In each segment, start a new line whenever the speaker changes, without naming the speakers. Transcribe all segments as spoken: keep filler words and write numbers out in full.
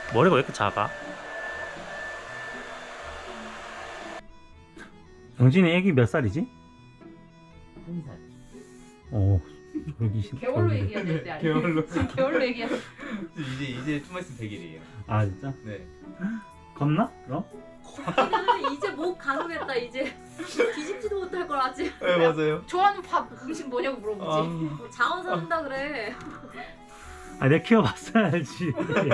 머리가 왜 이렇게 작아? 영진이 애기 몇 살이지?
한 살.
어, 저기 시-
개월로
저기-
얘기해야 될 때 아니야?
개월로.
개월로 얘기해.
이제 이제 좀만 있으면 백 일이에요.
아 진짜?
네.
겁나? 그럼?
지금 이제 목 가능했다. 이제 뒤집지도 못할 걸 아직.
네 맞아요.
좋아하는 밥 음식 뭐냐고 물어보지.
자원 산다 그래.
아 내가 키워봤어야지.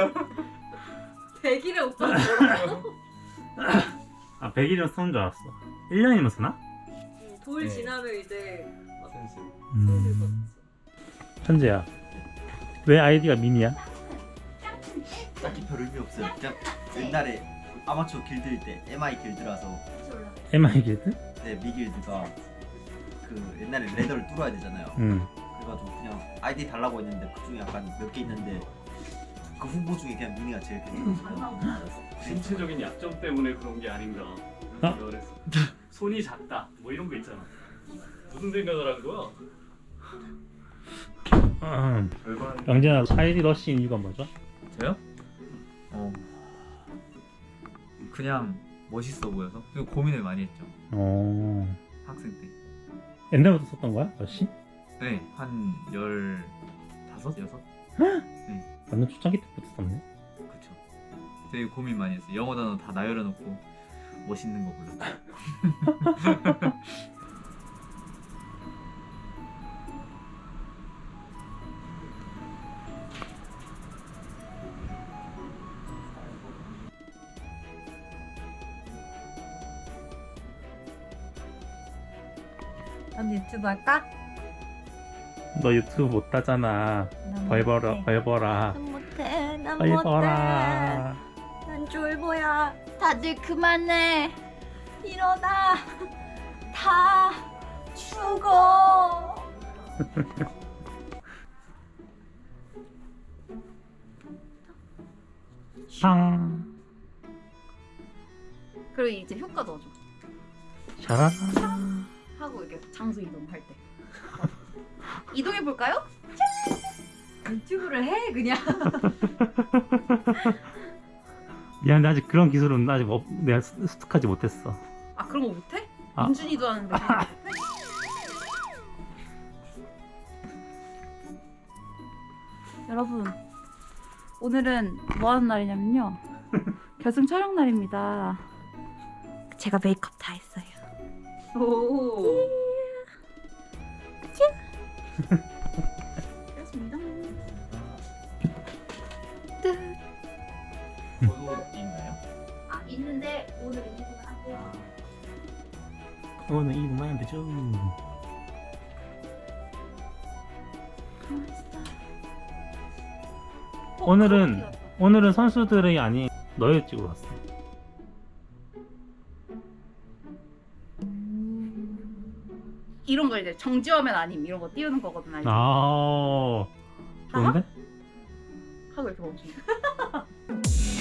백일에 오빠 뭐라고?
아 백 일이면 쓰는 줄 알았어. 일 년이면 쓰나?
돌
네.
지나면 이제
센스.
슬슬 걷지.
현재야, 왜 아이디가 미니야?
딱히 별 의미 없어요. 그냥 옛날에 아마추어 길드일 때 엠아이 길드라서
엠아이 길드?
네 미길드가 그 옛날에 레더를 뚫어야 되잖아요.
응.
그래가지고 그냥 아이디 달라고 했는데 그 중에 약간 몇 개 있는데 그 후보 중에 그냥 미니가 제일 괜찮았어요.
신체적인 약점 때문에 그런 게 아닌가.
어?
그래서 손이 작다 뭐 이런 거 있잖아. 무슨 생각을 한 거야?
음.
별거 아닌
영진아, 아이디 러시인 이유가 뭐죠?
저요? 어. 그냥 멋있어 보여서. 그리고 고민을 많이 했죠.
어.
학생 때.
옛날부터 썼던 거야, 러시?
네, 한 열다섯, 여섯.
완전 초창기 때부터 썼네.
그쵸. 되게 고민 많이 했어요. 영어 단어 다 나열해놓고 멋있는 거 골랐죠.
언니 유튜브 할까?
너 유튜브 못 하잖아. 벌 벌어, 벌 벌아.
난 못해. 난
벌
못해.
벌아.
난 쫄보야. 다들 그만해. 일어나. 다 죽어.
샹.
그리고 이제 효과 넣어줘.
샤라.
하고 이렇게 장소 이동할 때. 이동해 볼까요?
유튜브를 해 그냥.
미안해, 아직 그런 기술은 아직 없, 내가 습- 습득하지 못했어.
아 그런 거 못해?
아.
민준이도 하는데. 여러분 오늘은 뭐 하는 날이냐면요. 결승 촬영 날입니다. 제가 메이크업 다 했어요. 오. 그렇습니다.
저도 있나요?
아 있는데 오늘 인터뷰는 안 돼요.
오늘 이분만 되죠. 오늘은 오늘은 선수들이 아닌 너의 찍으러 왔어.
이런 거 이제 정지화면 아님 이런 거 띄우는 거거든. 알지?
아, 좋은데?
하고 이렇게 멈추는 거.